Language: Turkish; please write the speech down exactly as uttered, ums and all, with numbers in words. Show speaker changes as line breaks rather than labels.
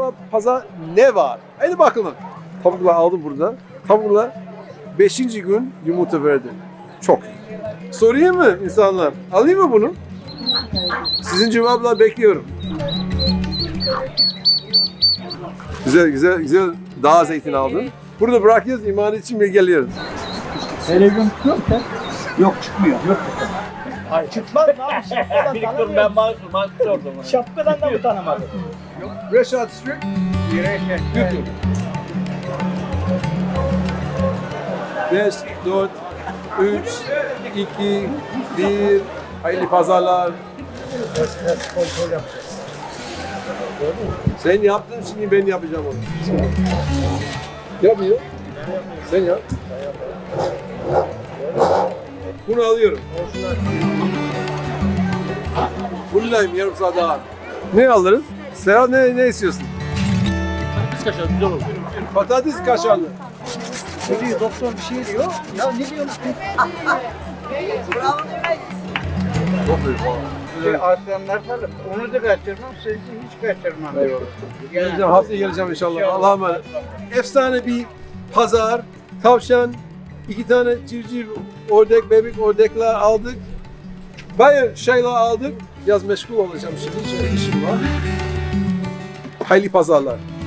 ama pazar ne var? Hadi bakalım. Tavukla aldım burada. Tavukla beşinci gün yumurta verdi. Çok iyi. Sorayım mı insanlar? Alayım mı bunu? Sizin cevaplar bekliyorum. Güzel güzel güzel dağ zeytin aldım. Burada bırakıyoruz, iman için ve geliyoruz.
Televizyon tutuyor mu sen?
Yok çıkmıyor. Yok.
Hayır çıkmaz mı abi? Şapkadan
Bir dur ben
tanımıyorum.
mahkum mahkum oldum.
Şapkadan da mı tanımadın?
Reşat Street, YouTube. beş, dört, üç, iki, bir, hayırlı pazarlar. Sen yaptın, şimdi ben yapacağım onu. Yapmıyor. Sen yap. Bunu alıyorum. Buradayım yarım saat daha. Ne alırız? Serhat ne, ne istiyorsun?
Biz kaçalım güzel olur.
Patates kaşarlı.
Ne diyor doktor bir şey diyor. Ya ne diyorsun?
Çok büyük.
Şey, aslanlar falan. Onu da kaçırmam, sizi hiç kaçırmam.
Geleceğim, haftaya geleceğim inşallah. Allah'a emanet. Efsane bir pazar, tavşan, iki tane civciv, ördek, bebek ördekler aldık. Bayağı şeyler aldık. Biraz meşgul olacağım şimdi, şöyle işim var. Hayırlı pazarlar.